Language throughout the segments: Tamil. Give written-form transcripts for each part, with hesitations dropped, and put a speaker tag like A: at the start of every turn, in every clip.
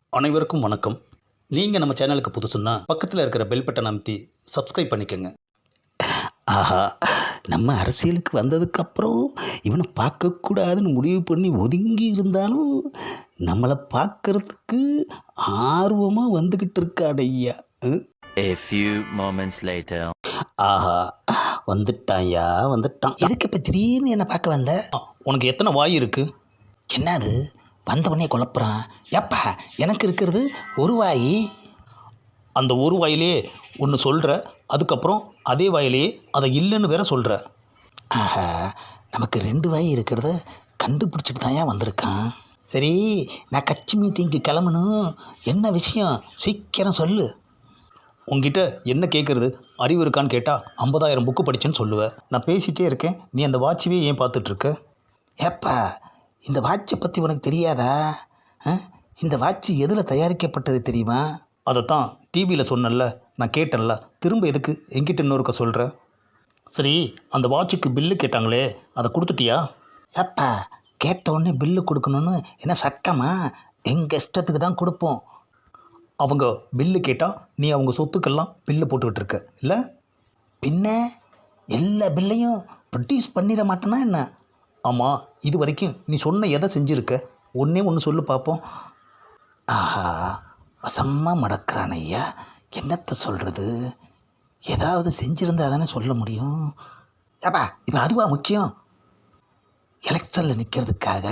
A: அனைவருக்கும் வணக்கம். நீங்கள் நம்ம சேனலுக்கு புதுசுன்னா பக்கத்தில் இருக்கிற பெல் பட்டன் அமைத்தி சப்ஸ்கிரைப் பண்ணிக்கோங்க.
B: ஆஹா, நம்ம அரசியலுக்கு வந்ததுக்கப்புறம் இவனை பார்க்கக்கூடாதுன்னு முடிவு பண்ணி ஒதுங்கி இருந்தாலும் நம்மளை பார்க்கறதுக்கு ஆர்வமாக வந்துக்கிட்டு இருக்கான் ஐயா.
C: A few moments later.
B: ஆஹா, வந்துட்டான்யா வந்துட்டான். எதுக்கு இப்போ திடீர்னு என்னை பார்க்க வந்த?
A: உனக்கு எத்தனை வாய் இருக்குது?
B: என்னது வந்தவனே குழப்புறான்? எப்பா எனக்கு இருக்கிறது ஒரு வாய்.
A: அந்த ஒரு வாயிலே ஒன்று சொல்கிற, அதுக்கப்புறம் அதே வாயிலேயே அதை இல்லைன்னு வேற சொல்கிற.
B: ஆஹா, நமக்கு 2 வாய் இருக்கிறத கண்டுபிடிச்சிட்டு தான் ஏன் வந்திருக்கான். சரி, நான் கட்சி மீட்டிங்க்கு கிளம்பணும். என்ன விஷயம் சீக்கிரம் சொல்லு.
A: உங்ககிட்ட என்ன கேட்குறது, அறிவு இருக்கான்னு கேட்டால் 50,000 புக்கு படித்தேன்னு சொல்லுவேன். நான் பேசிகிட்டே இருக்கேன், நீ அந்த வாட்சவே ஏன் பார்த்துட்ருக்க?
B: ஏப்பா, இந்த வாட்சை பற்றி உனக்கு தெரியாதா? இந்த வாட்சி எதில் தயாரிக்கப்பட்டது தெரியுமா?
A: அதைத்தான் டிவியில் சொன்னல, நான் கேட்டேன்ல, திரும்ப எதுக்கு என்கிட்ட இன்னொருக்க சொல்கிற? சரி, அந்த வாட்சுக்கு பில்லு கேட்டாங்களே, அதை கொடுத்துட்டியா?
B: ஏப்பா, கேட்ட உடனே பில்லு கொடுக்கணுன்னு என்ன சட்டமா? எங்கள் இஷ்டத்துக்கு தான் கொடுப்போம்.
A: அவங்க பில்லு கேட்டால் நீ அவங்க சொத்துக்கெல்லாம் பில்லு போட்டுக்கிட்டு இருக்க இல்லை?
B: பின்ன எல்லா பில்லையும் ப்ரொடியூஸ் பண்ணிட மாட்டேனா என்ன?
A: ஆமாம், இது வரைக்கும் நீ சொன்ன எதை செஞ்சுருக்க? ஒன்றே ஒன்று சொல்லு பார்ப்போம்.
B: ஆஹா, வசமாக மடக்கிறான் ஐயா. என்னத்தை சொல்கிறது? ஏதாவது செஞ்சுருந்தா தானே சொல்ல முடியும். ஏப்பா, இப்போ அதுவா முக்கியம்? எலெக்ஷனில் நிற்கிறதுக்காக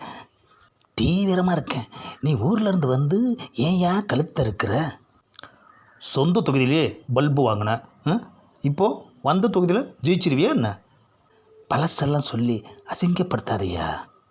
B: தீவிரமாக இருக்கேன். நீ ஊர்லேருந்து வந்து ஏன்யா கழுத்த இருக்கிற?
A: சொந்த தொகுதியிலே பல்பு வாங்கினேன், இப்போது வந்த தொகுதியில் ஜெயிச்சிருவியா என்ன?
B: பழசெல்லாம் சொல்லி அசிங்கப்படுத்தாதையா.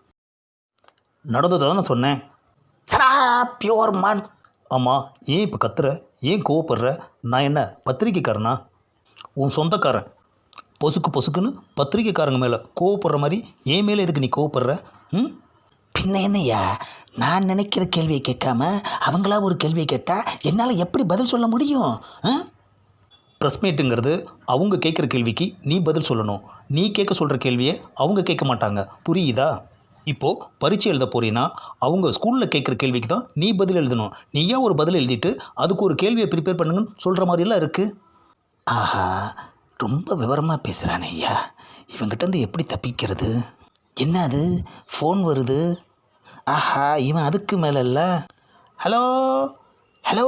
A: நடந்ததை தான் சொன்னேன்.
B: சரா பியோர் மான்.
A: ஆமாம், ஏன் இப்போ கத்துற? ஏன் கோவப்படுற? நான் என்ன பத்திரிக்கைக்காரனா? உன் சொந்தக்காரன். பொசுக்கு பொசுக்குன்னு பத்திரிக்கைக்காரங்க மேலே கோவப்படுற மாதிரி என் மேலே எதுக்கு நீ கோவப்படுற?
B: பின்ன என்னையா, நான் நினைக்கிற கேள்வியை கேட்காம அவங்களா ஒரு கேள்வியை கேட்டால் என்னால் எப்படி பதில் சொல்ல முடியும்?
A: ப்ரெஸ் மீட்டுங்கிறது அவங்க கேட்குற கேள்விக்கு நீ பதில் சொல்லணும். நீ கேட்க சொல்கிற கேள்வியை அவங்க கேட்க மாட்டாங்க, புரியுதா? இப்போது பரீட்சை எழுத போறீன்னா அவங்க ஸ்கூலில் கேட்குற கேள்விக்கு தான் நீ பதில் எழுதணும். நீயா ஒரு பதில் எழுதிட்டு அதுக்கு ஒரு கேள்வியை ப்ரிப்பேர் பண்ணுங்கன்னு சொல்கிற மாதிரிலாம் இருக்குது.
B: ஆஹா, ரொம்ப விவரமாக பேசுகிறானே ஐயா. இவங்கிட்டேருந்து எப்படி தப்பிக்கிறது? என்ன அது ஃபோன் வருது? ஆஹா, இவன் அதுக்கு மேலே இல்லை. ஹலோ ஹலோ,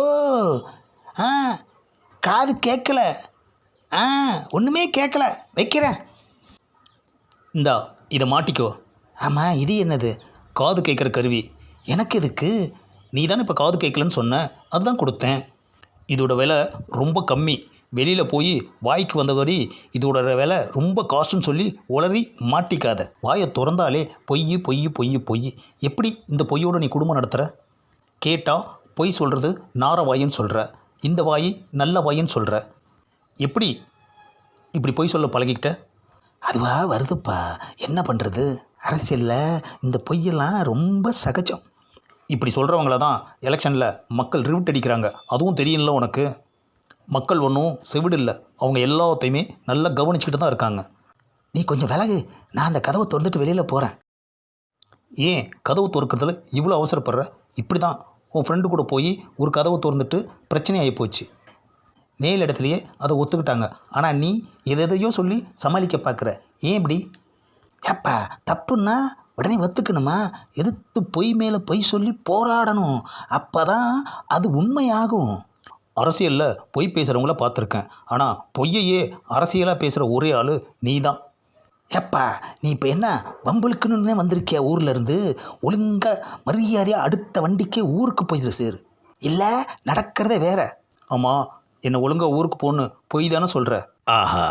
B: காது கேட்கல, ஒன்றுமே கேட்கல, வைக்கிறேன்.
A: இந்தா இதை மாட்டிக்கோ.
B: ஆமாம், இது என்னது?
A: காது கேட்குற கருவி.
B: எனக்கு எதுக்கு?
A: நீ தானே இப்போ காது கேட்கலன்னு சொன்ன, அதுதான் கொடுத்தேன். இதோட விலை ரொம்ப கம்மி. வெளியில் போய் வாய்க்கு வந்தபடி இதோட விலை ரொம்ப காஸ்ட்டுன்னு சொல்லி உளறி மாட்டிக்காத. வாயை திறந்தாலே பொய் பொய் பொய் பொய். எப்படி இந்த பொய்யோடு நீ குடும்பம் நடத்துகிற? கேட்டால் பொய் சொல்கிறது நார வாயின்னு சொல்கிற, இந்த வாய் நல்ல வாயின்னு சொல்கிற. எப்படி இப்படி பொய் சொல்ல பழகிக்கிட்ட?
B: அதுவா வருதுப்பா, என்ன பண்ணுறது? அரசியலில் இந்த பொய்யெல்லாம் ரொம்ப சகஜம்.
A: இப்படி சொல்கிறவங்கள தான் எலெக்ஷனில் மக்கள் ரிவிட் அடிக்கிறாங்க. அதுவும் தெரியல உனக்கு. மக்கள் ஒன்றும் செவிடு இல்லை, அவங்க எல்லாத்தையுமே நல்லா கவனிச்சுக்கிட்டு தான் இருக்காங்க.
B: நீ கொஞ்சம் விலகு, நான் அந்த கதவை திறந்துட்டு வெளியில் போகிறேன்.
A: ஏன் கதவு திறக்கிறதுல இவ்வளோ அவசரப்படுற? இப்படி தான் உன் ஃப்ரெண்டு கூட போய் ஒரு கதவை திறந்துட்டு பிரச்சனை ஆகி போச்சு. மேல் இடத்துலையே அதை ஒத்துக்கிட்டாங்க. ஆனால் நீ எதையோ சொல்லி சமாளிக்க பார்க்குற. ஏன் இப்படி?
B: ஏப்பா, தப்புன்னா உடனே ஒத்துக்கணுமா? எதிர்த்து பொய் மேலே பொய் சொல்லி போராடணும். அப்போ தான் அது உண்மையாகும்.
A: அரசியலில் பொய் பேசுகிறவங்கள பார்த்துருக்கேன், ஆனால் பொய்யையே அரசியலாக பேசுகிற ஒரே ஆள் நீ தான்.
B: ஏப்பா, நீ இப்போ என்ன வம்புலுக்குன்னு வந்திருக்கியா? ஊர்லேருந்து ஒழுங்காக மரியாதையாக அடுத்த வண்டிக்கே ஊருக்கு போயிடு சேரு, இல்லை நடக்கிறதே வேற.
A: ஆமாம், என்னை ஒழுங்காக ஊருக்கு போகணும் பொய் தானே சொல்கிற?
B: ஆஹா,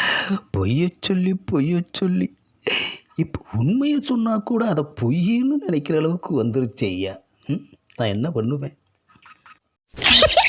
B: பொய்ய சொல்லி இப்போ உண்மையை சொன்னால் கூட அதை பொய்ன்னு நினைக்கிற அளவுக்கு வந்துருச்சு ஐயா. நான் என்ன பண்ணுவேன்?